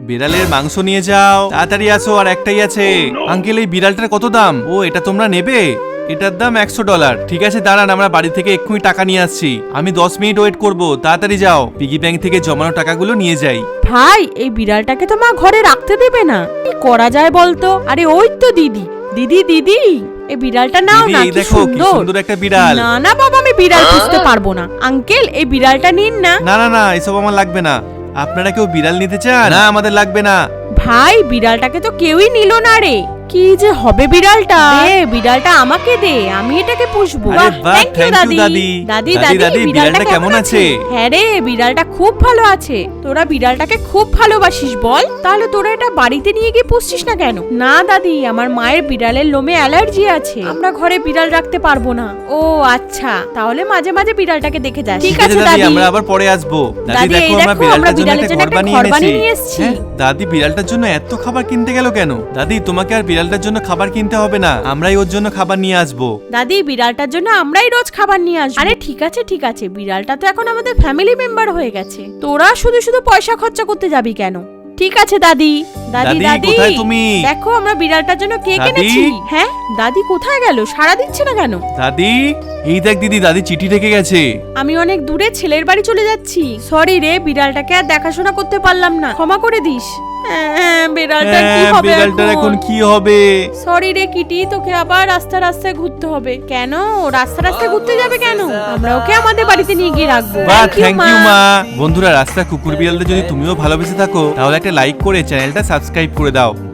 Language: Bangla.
বিড়ালের মাংস নিয়ে যাও, তাড়াতাড়ি আসো, আর একটাই আছে। আঙ্কেল এই বিড়ালটার কত দাম? ও এটা তোমরা নেবে? এটার দাম $100। ঠিক আছে দাঁড়ান, আমরা বাড়ি থেকে এক্ষুনি টাকা নিয়ে আসছি। আমি 10 মিনিট ওয়েট করব, তাড়াতাড়ি যাও। পিগি ব্যাংক থেকে জমানো টাকাগুলো নিয়ে যাই। ভাই এই বিড়ালটাকে তো মা ঘরে রাখতে দেবে না, কি করা যায় বলতো? আরে ওই তো দিদি, দিদি দিদি এই বিড়ালটা নাও দিদি, না, এই কি দেখো কি সুন্দর। সুন্দর একটা বিড়াল। না না বাবা, আমি বিড়াল পুষতে পারবো না। আঙ্কেল এই বিড়ালটা নিন না। না না না, এসব আমার লাগবে না। আপনারা কেউ বিড়াল নিতে চান? না, আমাদের লাগবে না। ভাই বিড়ালটাকে তো কেউই নিল না রে, কি যে হবে বিড়ালটা? বিড়ালটা আমাকে দে, আমি এটাকে পুষবো। আরে বাহ, থ্যাংক ইউ thank you, দাদি। দাদি। দাদি দাদি, বিড়ালটা কেমন আছে? আছে? হ্যাঁ রে, বিড়ালটা খুব ভালো আছে। তোরা বিড়ালটাকে খুব ভালোবাসিস বল, তাহলে তোরা এটা বাড়িতে নিয়ে গিয়ে পুষছিস না কেন? না দাদি, আমার মায়ের বিড়ালের লোমে অ্যালার্জি আছে, আমরা ঘরে বিড়াল রাখতে পারবো না। ও আচ্ছা, তাহলে মাঝে মাঝে বিড়ালটাকে দেখে যাস। ঠিক আছে দাদি, আমরা আবার পরে আসবো। দাদি দেখো এই আমরা দেখো, আমরা বিড়ালটার জন্য একটা ঘর ঘর বানিয়ে বানিয়ে নিয়ে এনেছি। এসেছি। হ্যাঁ, দাদি বিড়ালটার জন্য এত খাবার কিনতে গেল কেন? দাদি তোমাকে আর বিড়ালটার জন্য খাবার কিনতে হবে না, আমরাই ওর জন্য খাবার নিয়ে আসবো। দাদি বিড়ালটার জন্য আমরাই রোজ খাবার নিয়ে আসবো। আরে ঠিক আছে ঠিক আছে, বিড়ালটা তো এখন আমাদের ফ্যামিলি মেম্বার হয়ে গেছে, তোরা শুধু শুধু পয়সা খরচা করতে যাবি কেন? ঠিক আছে দাদি। দাদি দাদি, দাদি কোথায় তুমি? দেখো আমরা বিড়ালটার জন্য কেক দাদি? এনেছি। হ্যাঁ দাদি কোথায় গেল? সাড়া দিচ্ছে না কেন? দাদি, এই দেখ দিদি, দাদি চিঠি রেখে গেছে। আমি অনেক দূরে ছেলের বাড়ি চলে যাচ্ছি, সরি রে, বিড়ালটাকে আর দেখাশোনা করতে পারলাম না, ক্ষমা করে দিস। বিড়ালটার কি হ্যাঁ, হবে বিড়ালটার এখন কি হবে? সরি রে কিটি, তোকে আবার রাস্তায় ঘুরতে হবে। কেন রাস্তায় ঘুরতে যাবে কেন? আমরা ওকে আমাদের বাড়িতে নিয়ে গিয়ে রাখবো। বাহ, থ্যাংক ইউ মা। বন্ধুরা, রাস্তা কুকুর বিড়ালদের যদি তুমিও ভালোবেসে থাকো তাহলে একটা লাইক করে চ্যানেলটা সাবস্ক্রাইব করে দাও।